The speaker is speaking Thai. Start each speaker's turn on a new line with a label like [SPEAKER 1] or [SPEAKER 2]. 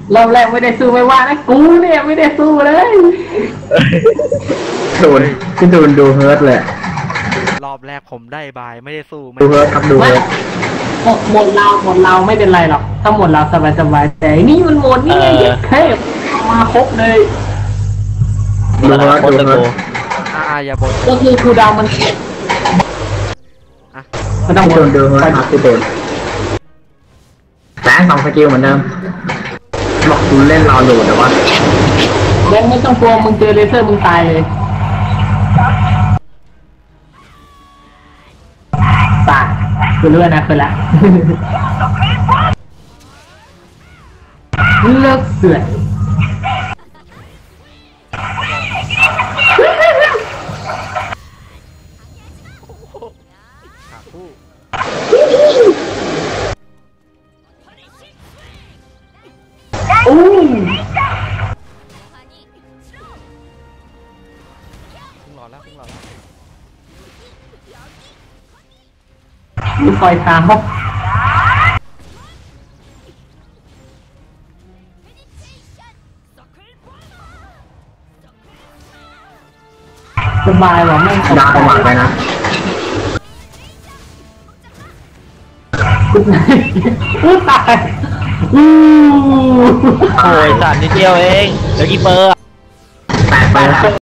[SPEAKER 1] รอบแรกไม่ได้สู้ไม่ว่านะกูเนี่ยไม่ได้สู้เลย
[SPEAKER 2] โดนดูเฮิร์ตเลย
[SPEAKER 3] รอบแรกผมได้บายไม่ได้สู้
[SPEAKER 2] ดูเฮิร์ตครับดูเฮิร์ต
[SPEAKER 1] หมดเราไม่เป็นไรหรอกถ้าหมดเราสบายแต่นี่มันหมดนี่ไงเทพมาครบเลย
[SPEAKER 2] ดูเฮิร์ต
[SPEAKER 3] อย่าบ่น
[SPEAKER 1] ก็คือครูดาวมันเข็ด
[SPEAKER 2] ไม่ต้องดูเฮิร์ตครับที่โดนแต่2 สกิลเหมือนเดิมบอกคุณเล่นรอดูแต่ว่า
[SPEAKER 1] แบงค์ไม่ต้องกลัวมึงเจอเลเซอร์มึงตายเลยตายคือเลื่อนนะคือละเลิกเสือกอู้มีคอยเท้าสบายหรอไม่
[SPEAKER 2] ดาวประมาทไปนะ
[SPEAKER 1] อู้ตาย
[SPEAKER 4] โอ้ยสัตว์นิดเดียวเองเดี๋ยวกี่เปอร์
[SPEAKER 2] 8 ไป